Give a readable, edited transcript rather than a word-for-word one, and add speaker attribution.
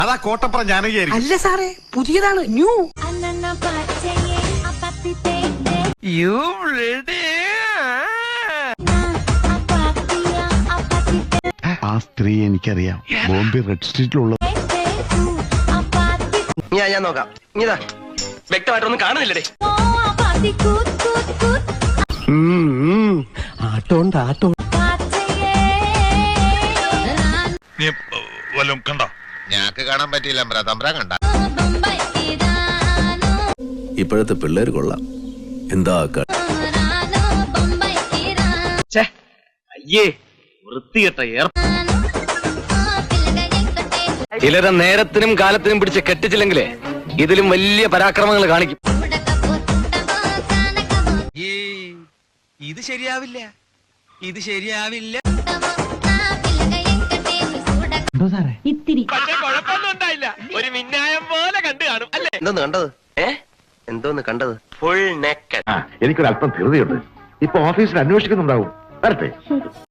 Speaker 1: അതാ കോട്ടപ്പുറം ജാനകിയായിരിക്കും.
Speaker 2: അല്ല സാറേ, പുതിയതാണ്, ന്യൂ.
Speaker 1: ആ സ്ത്രീ എനിക്കറിയാം, ബോംബെ റെഡ് സ്ട്രീറ്റിലുള്ള.
Speaker 3: ഞാൻ നോക്കാം. ഇതാ വ്യക്തമായിട്ടൊന്നും കാണുന്നില്ലേ?
Speaker 2: ആട്ടോണ്ട് ആട്ടോ.
Speaker 1: കണ്ടോ?
Speaker 4: ഞാക്ക് കാണാൻ പറ്റിയില്ല, തമ്പ്രാൻ കണ്ട.
Speaker 5: ഇപ്പോഴത്തെ പിള്ളേർ കൊള്ളാം. എന്താ
Speaker 3: അയ്യേ വൃത്തികെട്ട ചിലരെ നേരത്തിനും കാലത്തിനും പിടിച്ച് കെട്ടിച്ചില്ലെങ്കിലേ ഇതിലും വലിയ പരാക്രമങ്ങൾ കാണിക്കും.
Speaker 5: ഇത് ശരിയാവില്ല, ഇത് ശരിയാവില്ല.
Speaker 6: ഇത്തിരി
Speaker 3: ഒരു മിന്നായം പോലെ കണ്ടു കാണും അല്ലേ? എന്തോന്ന് കണ്ടത്? എന്തോന്ന് കണ്ടത്? Full naked.
Speaker 1: എനിക്കൊരല്പം ധൃതിയുണ്ട്. ഇപ്പൊ ഓഫീസിൽ അന്വേഷിക്കുന്നുണ്ടാവും. വരട്ടെ.